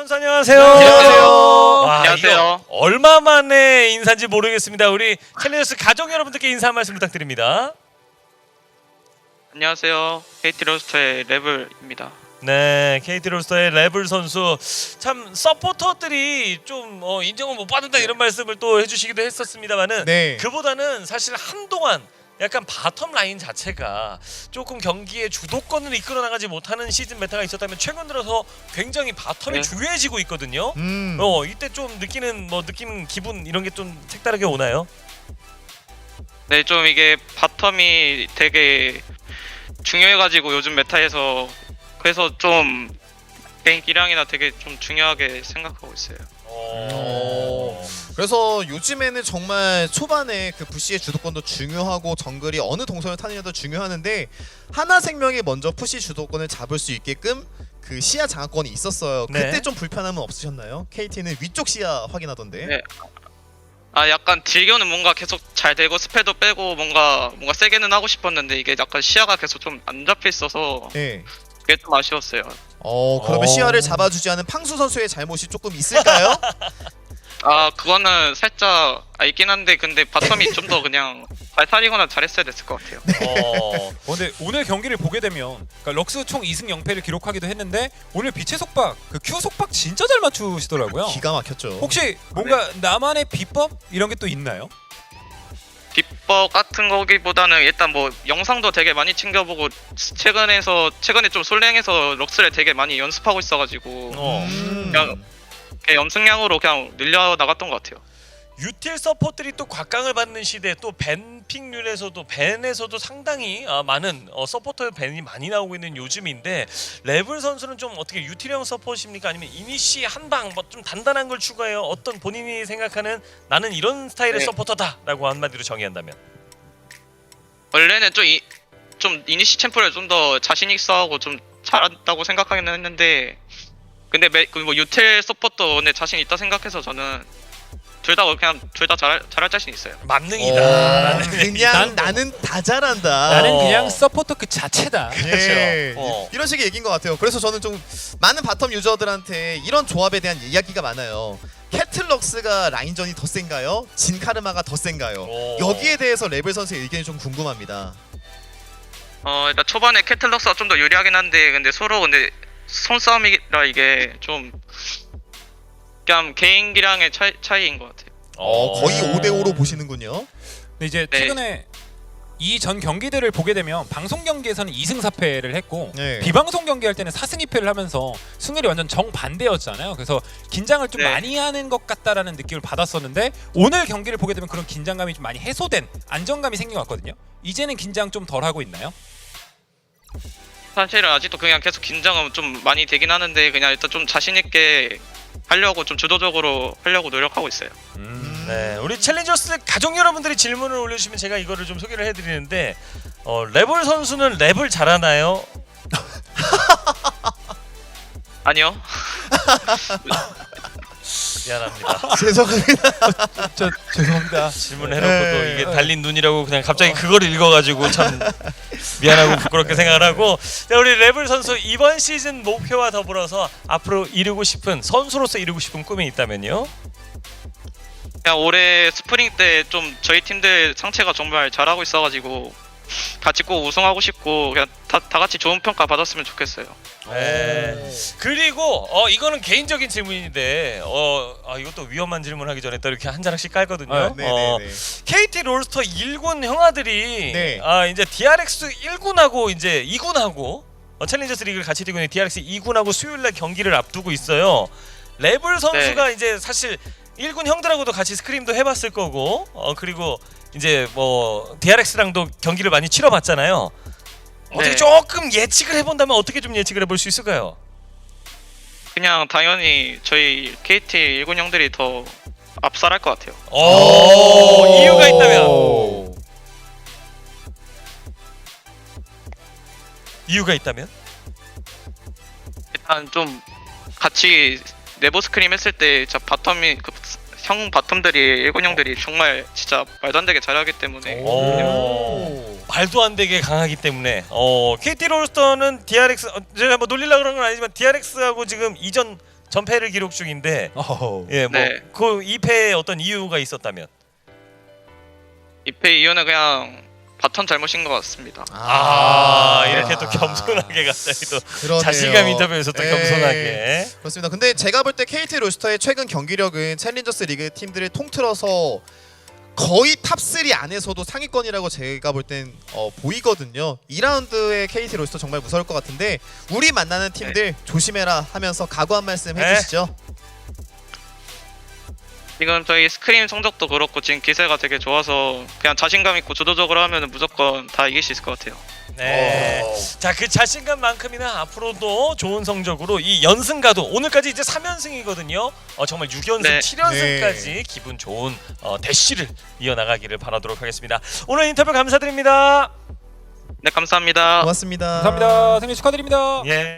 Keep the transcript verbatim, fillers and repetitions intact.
선수 안녕하세요. 안녕하세요. 와, 안녕하세요. 얼마 만에 인사인지 모르겠습니다. 우리 챌린저스 가족 여러분들께 인사 한 말씀 부탁드립니다. 안녕하세요. 케이티 로스터의 레블입니다. 네, 케이티 로스터의 레블 선수 참 서포터들이 좀 어, 인정을 못 받는다 이런 말씀을 또 해주시기도 했었습니다만은 네. 그보다는 사실 한동안 약간 바텀 라인 자체가 조금 경기의 주도권을 이끌어 나가지 못하는 시즌 메타가 있었다면 최근 들어서 굉장히 바텀이 네. 중요해지고 있거든요. 음. 어 이때 좀 느끼는 뭐 느끼는 기분 이런 게 좀 색다르게 오나요? 네, 좀 이게 바텀이 되게 중요해가지고 요즘 메타에서 그래서 좀 개인 기량이나 되게 좀 중요하게 생각하고 있어요. 어... 그래서 요즘에는 정말 초반에 그 부시의 주도권도 중요하고 정글이 어느 동선을 타느냐도 중요하는데 하나생명이 먼저 푸시 주도권을 잡을 수 있게끔 그 시야 장악권이 있었어요. 네. 그때 좀 불편함은 없으셨나요? 케이티는 위쪽 시야 확인하던데. 네. 아, 약간 딜교는 뭔가 계속 잘 되고 스페도 빼고 뭔가 뭔가 세게는 하고 싶었는데 이게 약간 시야가 계속 좀 안 잡혀 있어서 네. 그게 좀 아쉬웠어요. 어 그러면 어. 시야를 잡아주지 않은 팡수 선수의 잘못이 조금 있을까요? 아, 그거는 살짝 아, 있긴 한데 근데 바텀이 좀 더 그냥 잘 살리거나 잘했어야 됐을 것 같아요. 어... 어, 근데 오늘 경기를 보게 되면 그러니까 럭스 총 이 승 영 패를 기록하기도 했는데 오늘 빛의 속박, 그 Q 속박 진짜 잘 맞추시더라고요. 기가 막혔죠. 혹시 뭔가 나만의 비법 이런 게 또 있나요? 비법 같은 거기보다는 일단 뭐 영상도 되게 많이 챙겨보고 최근에서 최근에 좀 솔랭에서 럭스를 되게 많이 연습하고 있어가지고 어... 음. 그냥 그냥 연습량으로 그냥 늘려 나갔던 것 같아요. 유틸 서포트들이 또 곽강을 받는 시대 또 벤픽률에서도 벤에서도 상당히 아, 많은 어, 서포터의 벤이 많이 나오고 있는 요즘인데 레블 선수는 좀 어떻게 유틸형 서포트입니까? 아니면 이니시 한방 뭐 좀 단단한 걸 추가해요? 어떤 본인이 생각하는 나는 이런 스타일의 네. 서포터다라고 한마디로 정의한다면 원래는 좀, 이, 좀 이니시 챔프를 좀 더 자신 있어 하고 좀 잘한다고 생각하긴 했는데 근데 매, 그뭐 유틸 서포터 내 자신 있다 생각해서 저는 둘 다 그냥 둘 다 잘할 잘할 자신 있어요. 만능이다. 어, 라는 그냥 난- 나는 다 잘한다. 나는 어. 그냥 서포터 그 자체다. 예, 어. 이런 식의 얘기인 것 같아요. 그래서 저는 좀 많은 바텀 유저들한테 이런 조합에 대한 이야기가 많아요. 캐틀럭스가 라인전이 더 센가요? 진카르마가 더 센가요? 오. 여기에 대해서 레벨 선수의 의견이 좀 궁금합니다. 어 일단 초반에 캐틀럭스가 좀 더 유리하긴 한데 근데 서로 근데 손싸움이라 이게 좀 그냥 개인 기량의 차이, 차이인 것 같아요. 어, 거의 어. 오 대 오로 보시는군요. 근데 이제 네. 최근에 이 전 경기들을 보게 되면 방송 경기에서는 이 승 사 패를 했고 네. 비방송 경기할 때는 사 승 이 패를 하면서 승률이 완전 정반대였잖아요. 그래서 긴장을 좀 네. 많이 하는 것 같다라는 느낌을 받았었는데 오늘 경기를 보게 되면 그런 긴장감이 좀 많이 해소된 안정감이 생긴 것 같거든요. 이제는 긴장 좀 덜 하고 있나요? 사실은 아직도 그냥 계속 긴장은 좀 많이 되긴 하는데 그냥 일단 좀 자신 있게 하려고 좀 주도적으로 하려고 노력하고 있어요. 음. 네, 우리 챌린저스 가족 여러분들이 질문을 올려주시면 제가 이거를 좀 소개를 해드리는데 어, 레블 선수는 랩을 잘하나요? 아니요. 미안합니다. 죄송합니다. 저 죄송합니다. 질문을 해놓고도 네. 이게 달린 눈이라고 그냥 갑자기 그걸 읽어가지고 참 미안하고 부끄럽게 생각을 하고 자, 우리 레블 선수 이번 시즌 목표와 더불어서 앞으로 이루고 싶은 선수로서 이루고 싶은 꿈이 있다면요? 그냥 올해 스프링 때 좀 저희 팀들 상체가 정말 잘하고 있어가지고 같이 꼭 우승하고 싶고 그냥 다, 다 같이 좋은 평가 받았으면 좋겠어요. 네. 그리고 어 이거는 개인적인 질문인데 어 아, 이것도 위험한 질문하기 전에 또 이렇게 한 자락씩 깔거든요. 아, 어, 네네네. 케이티 롤스터 일 군 형아들이 네. 아 이제 디알엑스 일 군하고 이제 이 군하고 어, 챌린저스 리그를 같이 뛰고 있는 디알엑스 이 군하고 수요일날 경기를 앞두고 있어요. 레블 선수가 이제 사실 일 군 형들하고도 같이 스크림도 해봤을 거고 어 그리고 이제 뭐 디알엑스랑도 경기를 많이 치러봤잖아요. 어떻게 네. 조금 예측을 해본다면 어떻게 좀 예측을 해볼 수 있을까요? 그냥 당연히 저희 케이티 일 군 형들이 더 압살할 것 같아요. 오, 이유가 있다면 오. 이유가 있다면 일단 좀 같이 네버 스크림 했을 때 진짜 바텀이 그 형 바텀들이 일 군 형들이 정말 진짜 말도 안 되게 잘하기 때문에 오. 말도 안 되게 강하기 때문에 어 케이티 롤스터는 디알엑스 어, 제가 뭐 놀리려고 그런 건 아니지만 디알엑스하고 지금 이전 전패를 기록 중인데 어허. 예, 뭐 네. 그 이 패에 어떤 이유가 있었다면 이 패 이유는 그냥 바텀 잘못인 것 같습니다. 아, 이렇게 또 겸손하게 갑자기 또 그러네요. 자신감 인터뷰에서 또 예. 겸손하게 그렇습니다. 근데 제가 볼 때 케이티 로스터의 최근 경기력은 챌린저스 리그 팀들을 통틀어서 거의 탑삼 안에서도 상위권이라고 제가 볼 땐 어, 보이거든요. 이 라운드의 케이티 로스터 정말 무서울 것 같은데 우리 만나는 팀들 조심해라 하면서 각오 한 말씀 네. 해주시죠. 지금 저희 스크림 성적도 그렇고 지금 기세가 되게 좋아서 그냥 자신감 있고 주도적으로 하면 무조건 다 이길 수 있을 것 같아요. 네. 자, 그 자신감만큼이나 앞으로도 좋은 성적으로 이 연승가도 오늘까지 이제 삼 연승이거든요. 어, 정말 육 연승, 네. 칠 연승까지 네. 기분 좋은 어, 대시를 이어나가기를 바라도록 하겠습니다. 오늘 인터뷰 감사드립니다. 네, 감사합니다. 고맙습니다. 감사합니다. 생일 축하드립니다. 예.